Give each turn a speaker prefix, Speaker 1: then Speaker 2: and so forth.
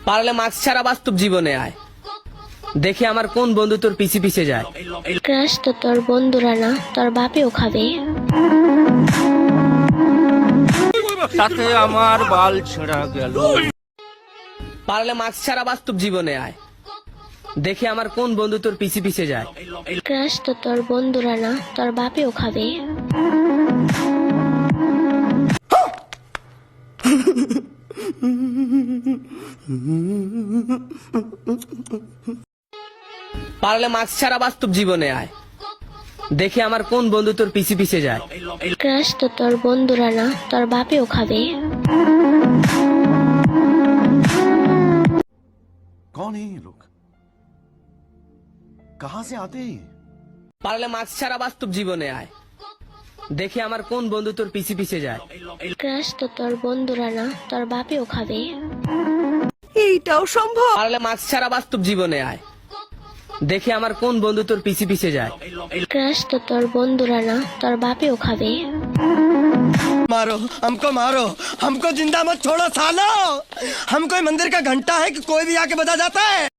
Speaker 1: পারলে মাস্ক ছাড়া বাস্তব জীবনে আয়, দেখি আমার কোন বন্ধু তোর পিছে পিছে যায়।
Speaker 2: ক্রাশ তো তোর বন্ধুরা না, তোর বাপেও খাবে।
Speaker 3: তাতে আমার বাল ছেঁড়া গেল।
Speaker 1: পারলে মাস্ক ছাড়া বাস্তব জীবনে আয়, দেখি আমার কোন বন্ধু তোর পিছে পিছে যায়।
Speaker 2: ক্রাশ তো তোর বন্ধুরা না, তোর বাপেও খাবে।
Speaker 1: পারলে মাস্ক ছাড়া বাস্তব জীবনে আয়, দেখি আমার কোন বন্ধু তোর পিছে পিছে যায়।
Speaker 2: ক্রাশ তো তোর বন্ধুরা না, তোর বাপেও খাবে।
Speaker 4: कौन है ये लोग? कहां से आते हैं?
Speaker 1: পারলে মাস্ক ছাড়া বাস্তব জীবনে আয়, দেখি আমার কোন বন্ধু তোর পিছে পিছে যায়।
Speaker 2: ক্রাশ তো তোর বন্ধুরা না, তোর বাপেও খাবে।
Speaker 5: এইটাও সম্ভব?
Speaker 1: পারলে মাস্ক ছাড়া বাস্তব জীবনে আয়, দেখি আমার কোন বন্ধু তোর পিছে পিছে যায়।
Speaker 2: ক্রাশ তো তোর বন্ধুরা না, তোর বাপেও খাবে।
Speaker 6: मारो हमको जिंदा मत छोड़ो सालो। हम कोई मंदिर का घंटा है कि कोई भी आके बजा जाता है।